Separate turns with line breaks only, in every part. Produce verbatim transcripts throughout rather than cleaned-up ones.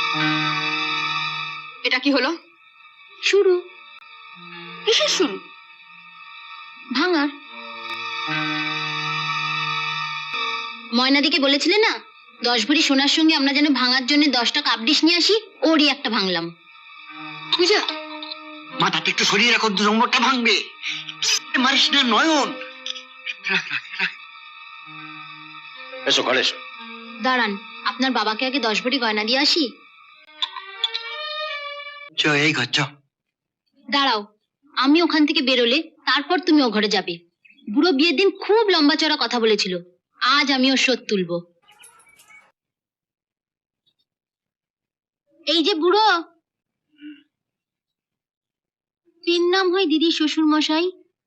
এটা কি হলো?
শুরু।
কিসের শুরু?
ভাঙার। ময়নাদিকে বলেছিলে না দশ ভরি সোনার সঙ্গে আমরা যেন ভাঙার জন্য দশটা কাপ ডিশ নিয়ে আসি, ওরই একটা ভাঙলাম।
পূজা,
মাথাটা একটু সরিয়ে রাখো, দু নম্বরটা ভাঙবে। মারিস না নয়ন। এসো ঘরে এসো।
দাঁড়ান, আপনার বাবাকে আগে দশ ভরি গয়না দিয়ে আসি।
চ এই ঘর চ।
দাঁড়াও, আমি ওখান থেকে বেরোলে তারপর তুমি ও ঘরে যাবে। বুড়ো বিয়ের দিন খুব লম্বা চড়া কথা বলেছিল, আজ আমি ওর শোধ তুলবো। এই যে বুড়ো, তিন নাম হয় দিদি শ্বশুর মশাই।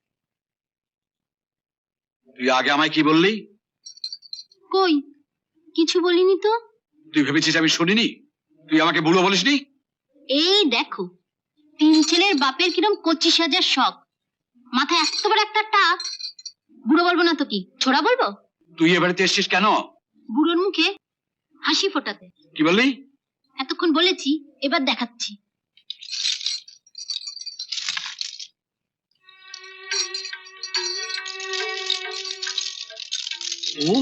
তুই আগে আমায় কি বললি?
কই কিছু বলিনি তো।
তুই ভেবেছিস আমি শুনিনি? তুই আমাকে বুড়ো বলিসনি?
এই দেখো, তিন ছেলের বাপের কিরম কচি সাজার শখ, মাথায় এত বড় একটা টাক। বুড়ো বলবো না তো কি, ছোড়া বলবো?
তুই এ বাড়িতে এসছিস কেন?
বুড়োর মুখে হাসি ফোটাতে।
কি বললি?
এতক্ষণ বলেছি, এবার দেখাচ্ছি।
ও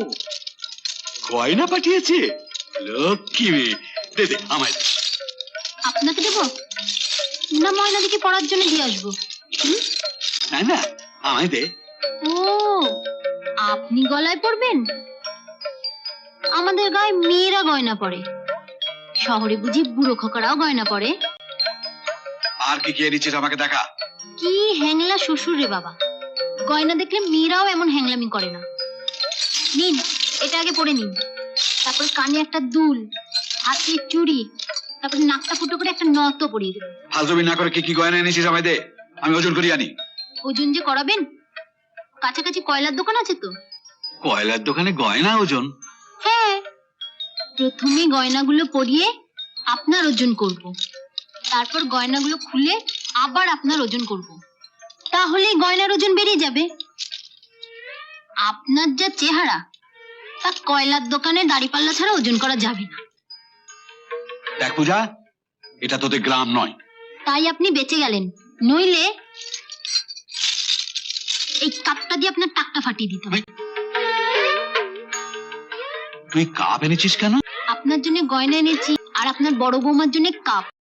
গয়না পাঠিয়েছে, লক্ষ্মী মেয়ে। দে দে আমায় দে।
আপনাকে দেবো না ময়নাদিকে পড়ার জন্য দিয়ে আসবো? হুম?
না না, আমায় দে।
ও, আপনি গলায় পড়বেন? আমাদের গায়ে মেয়েরা গয়না পরে, শহরে বুঝি বুড়ো খোকারাও গয়না পরে?
আর কি কি এনেছিস আমাকে দেখা।
কি হ্যাংলা শ্বশুর রে বাবা, গয়না দেখলে মেয়েরাও এমন হ্যাংলামি করে না। নিন, এটা আগে পরে নিন, তারপর কানে একটা দুল, হাতে চুড়ি, তারপর নাকটা ফুটো করে একটা নত পরিয়ে দেবেন।
ফালতুমি না করে কি কি গয়না এনেছিস আমায় দে, আমি ওজন করি আনি।
ওজন যে করাবেন, কাছাকাছি কয়লার দোকান আছে তো?
কয়লার দোকানে গয়না ওজন?
হ্যাঁ, প্রথমে গয়নাগুলো পরিয়ে আপনার ওজন করব, তারপর গয়নাগুলো খুলে আবার আপনার ওজন করব, তাহলে গয়নার ওজন বেরিয়ে যাবে। আপনার যা চেহারা, তা কয়লার দোকানে দাড়িপাল্লা ছাড়া ওজন করা যাবে না।
দেখ পূজা, এটা তোদের গ্রাম নয়।
তাই আপনি বেঁচে গেলেন, নইলে এই কাপটা দিয়ে আপনার টাকটা ফাটিয়ে দিতে হবে।
তুই কাপ এনেছিস কেন?
আপনার জন্য গয়না এনেছি, আর আপনার বড় বৌমার জন্য কাপ।